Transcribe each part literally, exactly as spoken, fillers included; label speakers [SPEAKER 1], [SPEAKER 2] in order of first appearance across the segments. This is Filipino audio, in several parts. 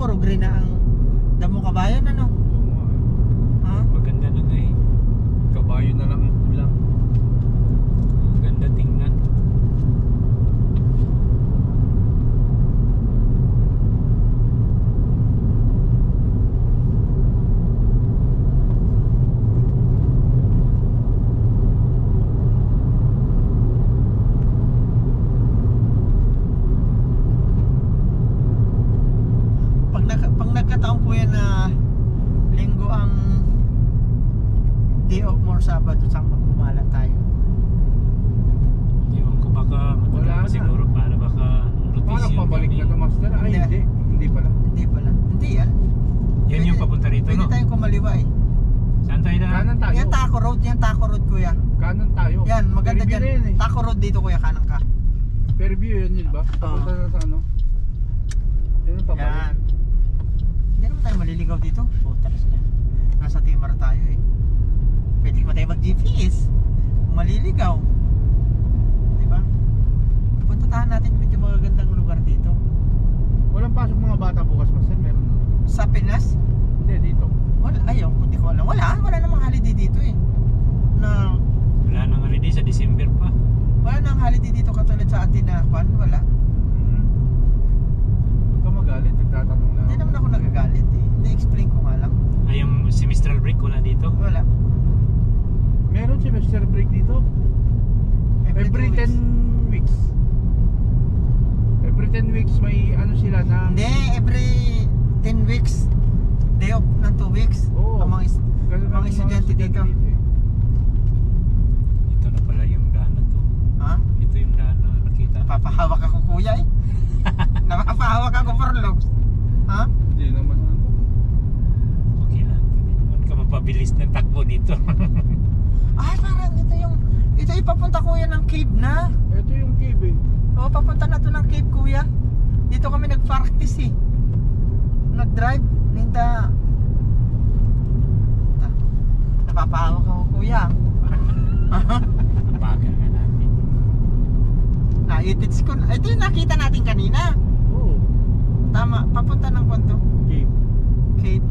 [SPEAKER 1] puro green na ang damo kabayan, ano?
[SPEAKER 2] Oo nga.
[SPEAKER 1] Ha?
[SPEAKER 3] Maganda na nga eh.
[SPEAKER 2] Kabayo na lang ang kulang.
[SPEAKER 3] Maganda tingnan.
[SPEAKER 1] Pag, nag, pag nagkataon po yan na linggo ang day off more Sabado, saan magpumala tayo?
[SPEAKER 3] Ewan ko baka
[SPEAKER 2] Wala
[SPEAKER 3] matagal pa
[SPEAKER 2] na.
[SPEAKER 3] siguro para baka
[SPEAKER 2] Parang
[SPEAKER 3] rotation
[SPEAKER 2] pabalik
[SPEAKER 3] kami.
[SPEAKER 2] na to, master. Ay,
[SPEAKER 1] Hindi.
[SPEAKER 2] hindi. Hindi pala.
[SPEAKER 1] Hindi pala. Hindi yan.
[SPEAKER 3] Yan yung papunta rito,
[SPEAKER 1] Pwede
[SPEAKER 3] no?
[SPEAKER 1] tayong kumaliwa eh.
[SPEAKER 3] Saan tayo na?
[SPEAKER 2] Kanan tayo.
[SPEAKER 1] Yan Taco Road, yan Taco Road kuya.
[SPEAKER 2] Kanan tayo.
[SPEAKER 1] Yan, maganda
[SPEAKER 2] Fairview na
[SPEAKER 1] dyan.
[SPEAKER 2] yan eh.
[SPEAKER 1] Taco Road dito kuya, kanan ka.
[SPEAKER 2] Fairview yun yun ba? Papunta na sa ano? Yan ang pabalik.
[SPEAKER 1] Yan. Hindi naman tayo maliligaw dito. Puta na sila. Nasa Timar tayo eh. Pwede pa tayo mag-G P S. Kung maliligaw. Diba? Puntahan natin medyo magagandang lugar dito.
[SPEAKER 2] Walang pasok mga bata bukas, master. Meron na.
[SPEAKER 1] Sa Pinas?
[SPEAKER 2] Hindi, dito.
[SPEAKER 1] Wala. Ayaw, hindi ko alam. Wala. Wala namang holiday dito eh. Na,
[SPEAKER 3] Wala nang holiday sa December pa.
[SPEAKER 1] wala nang holiday dito katulad sa atin na kwan. Wala.
[SPEAKER 2] Hmm. Huwag ka magalit. Nagtatanong lang.
[SPEAKER 1] Hindi naman ako nagagalit eh. Na-explain ko nga lang.
[SPEAKER 3] Ay, yung semestral break wala dito.
[SPEAKER 1] Wala.
[SPEAKER 2] Meron semester break dito. Every
[SPEAKER 1] two weeks.
[SPEAKER 2] ten weeks. Every ten weeks may ano sila na.
[SPEAKER 1] Hindi, every ten weeks. Day off ng two weeks.
[SPEAKER 2] Oo.
[SPEAKER 1] Ang mga is-
[SPEAKER 2] Ganun
[SPEAKER 1] mga
[SPEAKER 2] ang
[SPEAKER 1] estudyante dito.
[SPEAKER 2] eh.
[SPEAKER 3] Ito na pala yung daan na to.
[SPEAKER 1] Ha?
[SPEAKER 3] Ito yung daan na nakita.
[SPEAKER 1] Napapahawak ako kuya eh. Napapahawak ako for looks. Ha?
[SPEAKER 2] Hindi naman ano.
[SPEAKER 3] Okay lang. Hindi naman ka mapabilis ng takbo dito.
[SPEAKER 1] Ay, parang ito yung ito ipapunta kuya ng cave na.
[SPEAKER 2] Ito yung cave eh.
[SPEAKER 1] Oo, papunta na to ng cave kuya. Dito kami nag-practice eh. Nag-drive. Ninda. Ta- Napapahawak ako kuya.
[SPEAKER 3] Bagal nga natin.
[SPEAKER 1] Na-edits ko. na- Ito yung nakita natin kanina.
[SPEAKER 2] Oo.
[SPEAKER 1] Tama, papunta ng kwanto.
[SPEAKER 2] Cave.
[SPEAKER 1] Cave.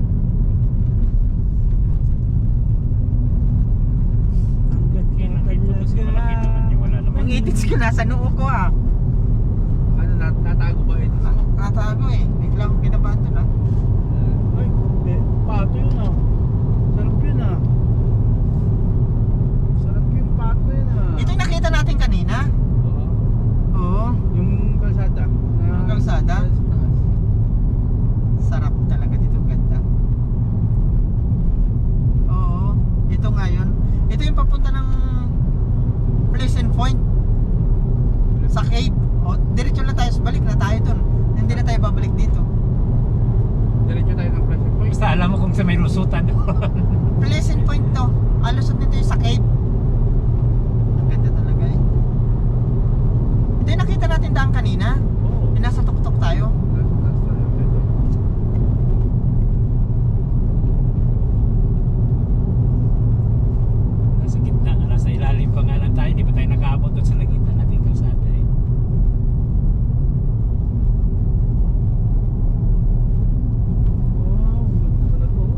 [SPEAKER 3] Okay lang dito kasi malaki naman yung wala naman.
[SPEAKER 1] Ang edits ko nasa noo ko ah.
[SPEAKER 2] Ano nat natago ba ito?
[SPEAKER 1] Na- Natago eh. Bigla akong kinabahan doon ah.
[SPEAKER 2] Ay, eh, pato yun ah. Sarap yun ah. Sarap yung pato yun ah.
[SPEAKER 1] Ito yung nakita natin kanina.
[SPEAKER 2] Oo.
[SPEAKER 1] Oo.
[SPEAKER 2] Yung kalsada. Na,
[SPEAKER 1] Yung kalsada?
[SPEAKER 2] sa taas.
[SPEAKER 1] Sarap talaga dito. Ganda. Oo. Ito nga yun. Ito yung papunta ng Pleasant Point. Sa cave. O, diretso lang tayo. Balik na tayo dun. Hindi na tayo babalik dito.
[SPEAKER 2] Diretso tayo ng Pleasant Point.
[SPEAKER 3] Basta alam mo kung sa may lusutan doon.
[SPEAKER 1] Pleasant Point to. Alusot nito yung sa cave. Ang ganda talaga eh. Ito yung nakita natin daan kanina.
[SPEAKER 2] Oo.
[SPEAKER 1] Yung nasa tuktok tayo.
[SPEAKER 2] Nasa taas tayo. Ito.
[SPEAKER 3] Nasa gitna, nasa ilalim pa nga lang tayo. Di ba tayo nakaabot doon sa nagitan natin kalsada eh.
[SPEAKER 2] Wow, ganda talaga oh.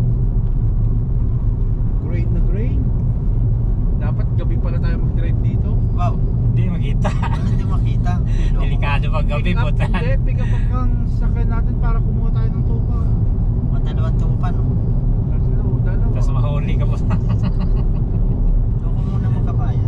[SPEAKER 2] Great na great. Dapat gabi pala tayo mag-drive dito.
[SPEAKER 1] Wow.
[SPEAKER 3] Hindi makita.
[SPEAKER 1] Ano hindi makita?
[SPEAKER 3] Delikado pag gabi
[SPEAKER 2] Pick
[SPEAKER 3] po
[SPEAKER 2] up, hindi, pick up ang sakyan natin para kumuha tayo ng tupa.
[SPEAKER 1] Matalawang tupan. No?
[SPEAKER 2] Kasi oh, dalawa.
[SPEAKER 3] Tapos mahuli ka po.
[SPEAKER 1] Doon ko muna mga kabayan.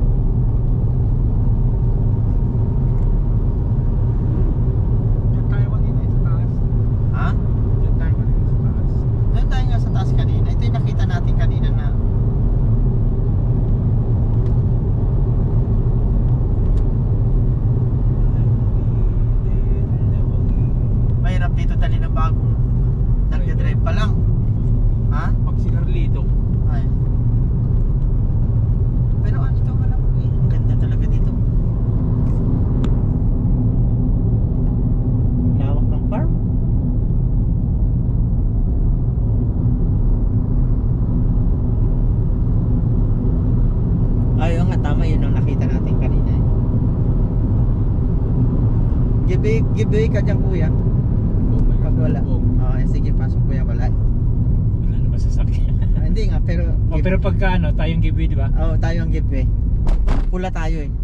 [SPEAKER 2] Diyan tayo kanina eh, sa taas.
[SPEAKER 1] Ha?
[SPEAKER 2] Diyan tayo kanina sa taas.
[SPEAKER 1] Doon tayo nga sa taas kanina. Ito yung nakita natin kanina na mahirap dito dali ng bagong nagde-drive pa lang. Ha?
[SPEAKER 2] Pag si Carlito.
[SPEAKER 1] Ay. Pero ano ito wala ko eh. Ang ganda talaga dito. Lawak ng farm. Ayun nga, tama yun ang nakita natin kanina eh. Giveaway, giveaway ka dyan kuya.
[SPEAKER 2] Oh my God.
[SPEAKER 1] Pag Wala.
[SPEAKER 2] Lubog.
[SPEAKER 1] Oh, eh, sige, pasok kuya, wala.
[SPEAKER 3] Wala naman sasakyan.
[SPEAKER 1] Ah, hindi nga, pero...
[SPEAKER 3] O pero pagka ano, tayong giveaway, di ba?
[SPEAKER 1] Oo, oh, tayo ang giveaway. Pula tayo eh.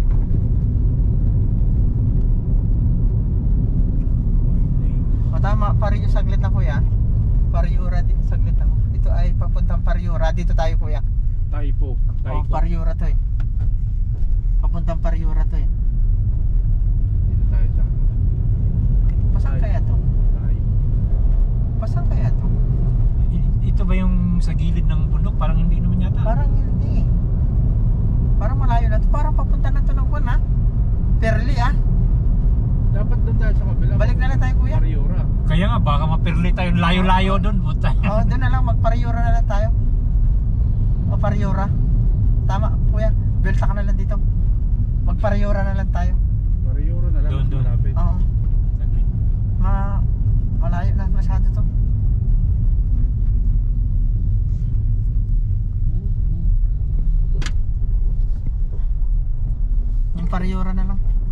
[SPEAKER 1] O tama, Pario saglit na kuya. Pariura, di- saglit lang. Ito ay papuntang Pariura. Dito tayo kuya.
[SPEAKER 2] Taipo.
[SPEAKER 1] Oh,
[SPEAKER 2] Taipo.
[SPEAKER 1] Pariura to eh. Papuntang Pariura to eh.
[SPEAKER 2] Dito tayo sa ano.
[SPEAKER 1] Pasang kaya to?
[SPEAKER 2] Tayo.
[SPEAKER 1] Pasang kaya to?
[SPEAKER 3] I- Ito ba yung sa gilid ng bundok? Parang hindi naman yata.
[SPEAKER 1] Parang hindi eh. Parang malayo na to. Parang papunta na to ng kuwan ha. Perli ah.
[SPEAKER 2] Dapat doon tayo sa kabila.
[SPEAKER 1] Balik na lang tayo kuya.
[SPEAKER 2] Pariura.
[SPEAKER 3] Kaya nga, baka mapirli tayo. Layo-layo doon. Buta.
[SPEAKER 1] Oo, doon na lang. Magpariura na lang tayo. O Pariura. Tama kuya. Belta ka na lang dito. Magpariura na lang tayo.
[SPEAKER 2] Pariura na lang.
[SPEAKER 3] Doon,
[SPEAKER 2] mas
[SPEAKER 3] doon.
[SPEAKER 2] malapit.
[SPEAKER 1] Oo.
[SPEAKER 3] Saglit.
[SPEAKER 1] Ma malayo na masyado to. Yung Pariura na lang.